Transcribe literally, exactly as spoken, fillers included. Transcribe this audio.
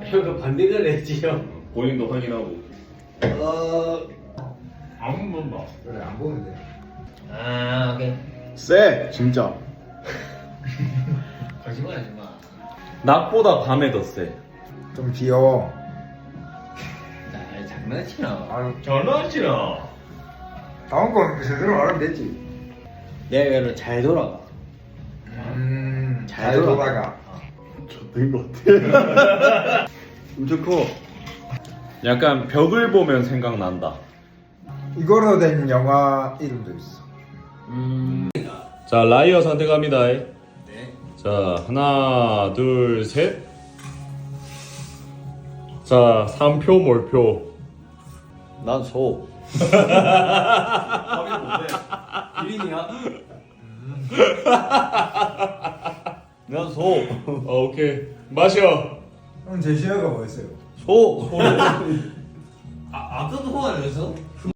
혀가 반대를 했지요. 본인도 확인하고. 어. 안 본다. 그래 안 보면 돼. 아 오케이. 쎄 진짜. 거짓말하지 마. 낮보다 밤에 더 세. 좀 귀여워. 나 장난치나. 아, 장난치나. 다음 건 제대로 말하면 되지. 내가 이거를 잘 돌아가. 음, 잘 잘 돌아가. 돌아가. 된 것 같아. 엄청 커. 약간 벽을 보면 생각난다. 이거로 된 영화 이름도 있어. 음. 자, 라이어 선택합니다. 네. 자, 하나, 둘, 셋. 자, 삼 표 몰표. 난 소. 기린이야? 난 소. 어, 오케이. 마셔. 형 제시어가 뭐였어요? 소. 아 아까도 소 아니었어?